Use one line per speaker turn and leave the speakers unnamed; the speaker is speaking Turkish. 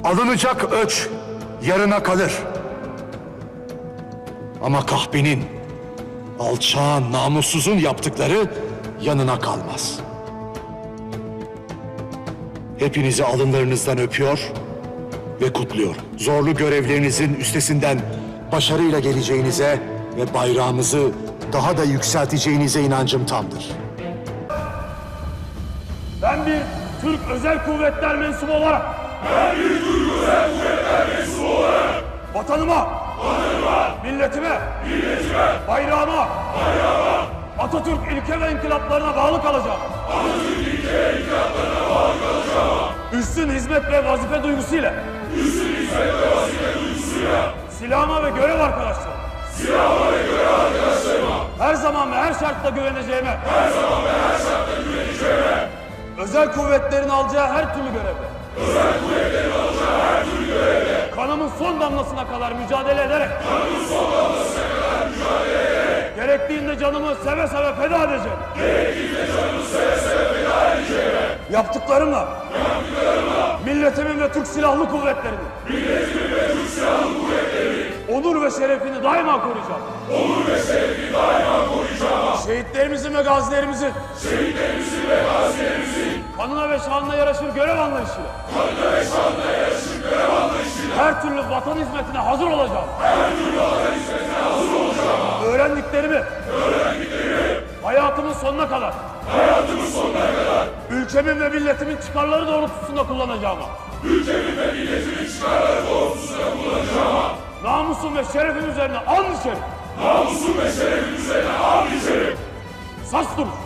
Alınacak öç yarına kalır. Ama kahpenin, alçağın, namussuzun yaptıkları yanına kalmaz. Hepinizi alınlarınızdan öpüyor ve kutluyorum. Zorlu görevlerinizin üstesinden başarıyla geleceğinize ve bayrağımızı daha da yükselteceğinize inancım tamdır.
Ben bir Türk Özel Kuvvetler mensubu olarak vatanıma, milletime, bayrağıma, Atatürk ilke ve inkılaplarına bağlı kalacağım. Üstün hizmet ve vazife duygusuyla silahıma ve görev arkadaşlarıma her zaman ve her şartta güveneceğime özel kuvvetlerin alacağı her türlü görevde kanımın son damlasına kadar mücadele ederek gerektiğinde canımı seve seve feda edeceğim. Yaptıklarımla milletimin ve Türk Silahlı Kuvvetleri'nin onur ve şerefini daima koruyacağım. Şehitlerimizin ve gazilerimizin kanına ve şanına yaraşır görev anlayışıyla her türlü vatan hizmetine hazır olacağım. Öğrendiklerimi hayatımın sonuna kadar ülkemin ve milletimin çıkarları doğrultusunda kullanacağım. Namusum ve şerefim üzerine and içerim. Saç durur.